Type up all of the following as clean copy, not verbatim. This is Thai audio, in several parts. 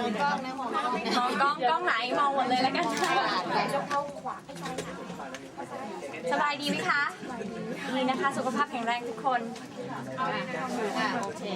กล้องนะมองกล้องไหนมองหมดเลยแล้วกันสบายดีไหมคะดีนะคะสุขภาพแข็งแรงทุกคนโอเค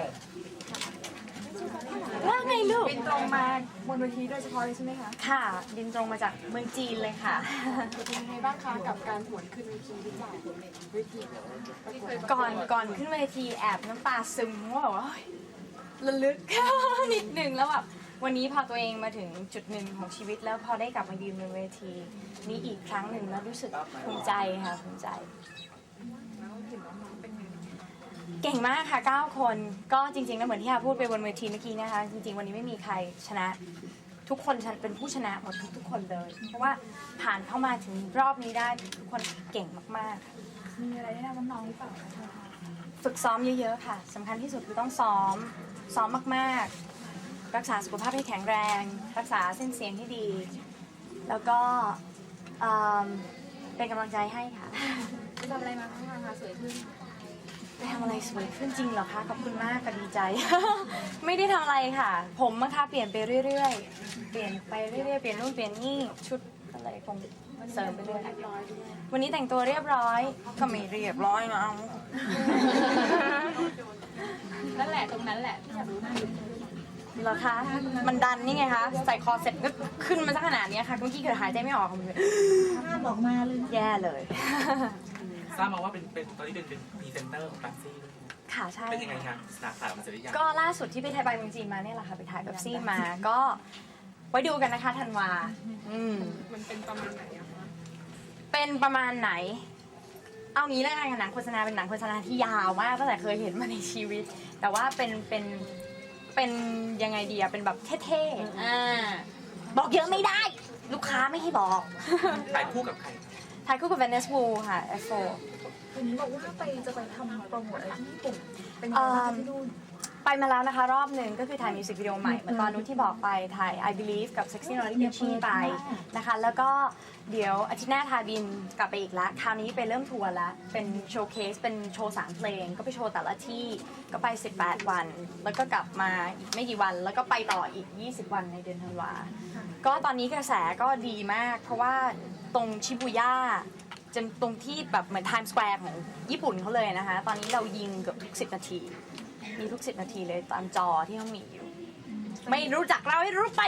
ว่าไงลูกบินตรงมาบนเวทีโดยเฉพาะเลยใช่ไหมคะค่ะบินตรงมาจากเมืองจีนเลยค่ะเป็นยังไงบ้างคะกับการหวนขึ้นเวทีหรือเปล่าเวทีก่อนขึ้นเวทีแอบน้ำตาซึมว่าแบบว่าระลึก นิดหนึ่งแล้วแบบวันนี้พอตัวเองมาถึงจุดหนึ่งของชีวิตแล้วพอได้กลับมายืนบนเวทีนี้อีกครั้งหนึ่งแล้วรู้สึกภูมิใจค่ะภูมิใจเก่งมากค่ะ9คนก็จริงๆแล้วเหมือนที่อาพูดไปบนเวทีเมื่อกี้นะคะจริงๆวันนี้ไม่มีใครชนะทุกคนเป็นผู้ชนะหมดทุกคนเลยเพราะว่าผ่านเข้ามาถึงรอบนี้ได้ทุกคนเก่งมากๆมีอะไรแนะนำน้องๆหรือเปล่าคะฝึกซ้อมเยอะๆค่ะสำคัญที่สุดคือต้องซ้อมมากๆรักษาสุขภาพให้แข็งแรงรักษาเส้นเสียงที่ดีแล้วก็เป็นกำลังใจให้ค่ะไปทำอะไรมาบ้างคะสวยขึ้นไปทำอะไรสวยขึ้นจริงเหรอคะขอบคุณมากค่ะดีใจ ไม่ได้ทำอะไรค่ะผมนะคะเปลี่ยนไปเรื่อยๆเปลี่ยนไปเรื่อยๆเปลี่ยนนู่นเปลี่ยนนี่ชุดอะไรคงเสริมไปเรื่อยวันนี้แต่งตัวเรียบร้อยก็ไม่เรียบร้อยนะเอานั่นแหละตรงนั้นแหละอยากรู้เหรอคะมันดันนี่ไงคะใส่คอเสร็จก็ขึ้นมาสักขนาดนี้ค่ะเมื่อกี้เกิดหายใจไม่ออกเลยห้ามออกมาเลยแย่เลยทราบมาว่าเป็นตอนนี้เป็นพรีเซนเตอร์ของแป๊บซี่ด้วยค่ะใช่เป็นยังไงคะสาขามันจะได้ยังก็ล่าสุดที่ไปไทยไปเมืองจีนมาเนี่ยแหละค่ะไปถ่ายแป๊บซี่มาก็ไว้ดูกันนะคะธันวามันเป็นประมาณไหนอะคะเป็นประมาณไหนเอางี้แล้วกันหนังโฆษณาเป็นหนังโฆษณาที่ยาวมากตั้งแต่เคยเห็นมาในชีวิตแต่ว่าเป็นยังไงดีอะเป็นแบบเท่ๆบอกเยอะไม่ได้ลูกค้าไม่ให้บอกถ่ายคู่กับใครถ่ายคู่กับ Venice Wu ค่ะ F4 วันนี้บอกว่าจะไปทำโปรโมทอะไรที่ญี่ปุ่นเป็นยังไงบ้างที่นู่นไปมาแล้วนะคะรอบหนึ่งก็คือถ่ายมิวสิกวิดีโอใหม่เหมือนตอนนู้นที่บอกไปถ่าย I Believe กับ Sexy Naughty Bitchy ไปนะคะแล้วก็เดี๋ยวอาทิตย์หน้าทาบินกลับไปอีกแล้วคราวนี้ไปเริ่มทัวร์แล้วเป็นโชว์เคสเป็นโชว์3เพลงก็ไปโชว์แต่ละที่ก็ไป18วันแล้วก็กลับมาอีกไม่กี่วันแล้วก็ไปต่ออีก20วันในเดือนธันวาก็ตอนนี้กระแสก็ดีมากเพราะว่าตรงชิบูย่าจนตรงที่แบบเหมือนไทม์สแควร์ของญี่ปุ่นเขาเลยนะคะตอนนี้เรายิงเกือบทุก10นาทีมีทุก10นาทีเลยตามจอที่เขามีอยู่ไม่รู้จักเราให้รู้ไป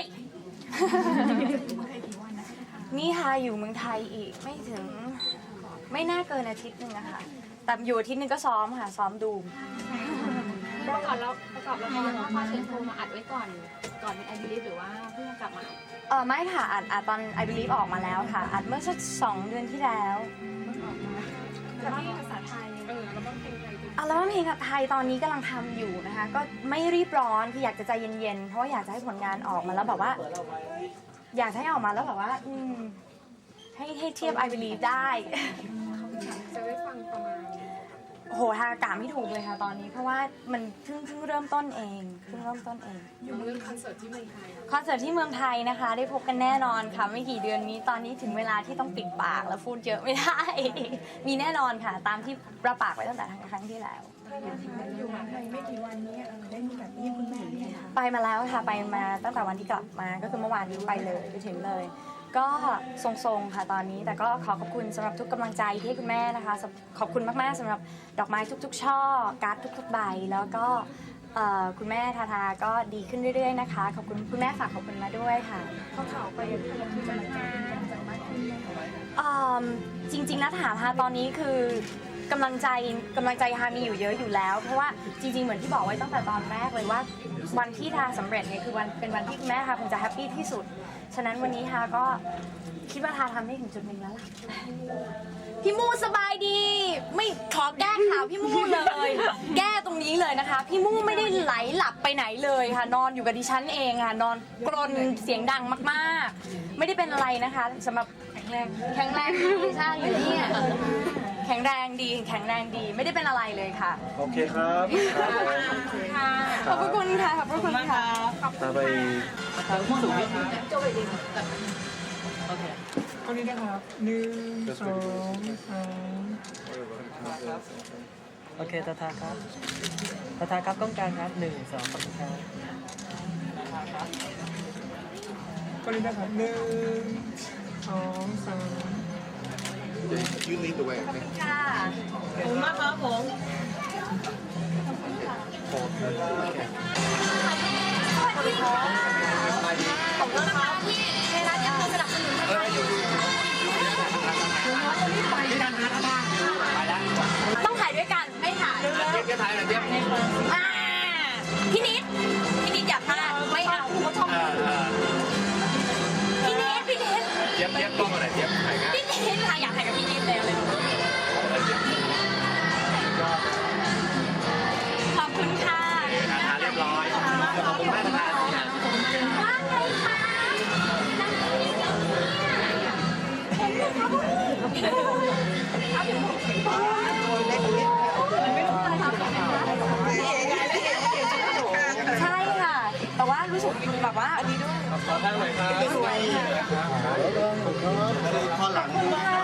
นี่ค่ะอยู่เมืองไทยอีกไม่น่าเกินอาทิตย์นึงนะคะแต่อยู่อาทิตย์นึงก็ซ้อมค่ะซ้อมดูประกอบละครว่าพาเชิญโทรมาอัดไว้ก่อนเป็นไอบิลิฟหรือว่าเพิ่งกลับมาไม่ค่ะอัดตอน I Believe ออกมาแล้วค่ะอัดเมื่อสัก2 เดือนที่แล้วแต่ที่ภาษาไทยแล้วก็เพลงไทยแล้วเพลงไทยตอนนี้กำลังทำอยู่นะคะก็ไม่รีบร้อนคืออยากจะใจเย็นๆเพราะว่าอยากจะให้ผลงานออกมาแล้วแบบว่าอยากให้ออกมาแล้วแบบว่าให้เทียบ I Believe ได้จะได้ฟังประมาณโหทางอากาศไม่ถูกเลยค่ะตอนนี้เพราะว่ามันเพิ่งเริ่มต้นเองอยู่เรื่องคอนเสิร์ตที่เมืองไทยคอนเสิร์ตที่เมืองไทยนะคะได้พบกันแน่นอนค่ะไม่กี่เดือนนี้ตอนนี้ถึงเวลาที่ต้องปิดปากแล้วพูดเยอะไม่ได้ มีแน่นอนค่ะตามที่ประปากไว้ตั้งแต่ครั้งที่แล้วอยู่มาไม่กี่วันนี้ได้มีแบบนี้คุณแม่ไปมาแล้วค่ะไปมาตั้งแต่วันที่กลับมาก็คือเมื่อวานนี้ไปเลยไปถึงเลยก็ทรงๆค่ะตอนนี้แต่ก็ขอขอบคุณสำหรับทุกกำลังใจที่ให้คุณแม่นะคะขอบคุณมากๆสำหรับดอกไม้ทุกๆช่อการ์ดทุกๆใบแล้วก็คุณแม่ทาก็ดีขึ้นเรื่อยๆนะคะขอบคุณคุณแม่ฝากขอบคุณมาด้วยค่ะข่าวไปที่กำลังใจมากขึ้นจริงๆนะถามฮาตอนนี้คือกำลังใจฮามีอยู่เยอะอยู่แล้วเพราะว่าจริงๆเหมือนที่บอกไว้ตั้งแต่ตอนแรกเลยว่าวันที่ทาสำเร็จเนี่ยคือเป็นวันที่คุณแม่ค่ะคงจะแฮปปี้ที่สุดฉะนั้นวันนี้ฮาก็คิดว่าทาทำได้ถึงจุดหนึ่งแล้วล่ะพี่มูสบายดีไม่ขอแก้ข่าวพี่มูเลยแก้ตรงนี้เลยนะคะพี่มูไม่ได้ไหลหลับไปไหนเลยค่ะนอนอยู่กับดิฉันเองค่ะนอนกรนเสียงดังมากๆไม่ได้เป็นอะไรนะคะสำหรับแข็งแรงดีใช่อยู่นี่แข็งแรงดีไม่ได้เป็นอะไรเลยค่ะโอเคครับขอบคุณค่ะขอบคุณค่ะไปทางผู้สูงอายุโจไปดีโอเคคนนี้นะครับ1 2 3 โอเคตาทาครับกล้องกลางครับ1 2ขอบคุณครับก็เลยนะครับ1 2 3 You lead the way. ค่ะขอบคุณมากครับผมสวัสดีค่ะขอบคุณนะคะที่ไทยรัฐยังคงสนับสนุนให้เราอยู่ต้องถ่ายด้วยกันไม่ถ่ายพี่นิดอย่าพลาดไม่เอาเขาชอบพี่นิดเจี๊ยบต้องอะไรเจี๊ยบถ่ายง่ายพี่นิดค่ะอยากถ่ายกับพี่นิดเลยขอบคุณค่ะเรียบร้อยขอบคุณมากขอบคุณมากนะว่าไงคะนั่งนิ่งๆเนี่ยเห็นไหมคะพวกใช่ค่ะ แต่ว่ารู้สึกแบบว่าอันนี้ด้วยขอบคุณมากเลยครับสวยค่ะข้อหลังขอบคุณค่ะ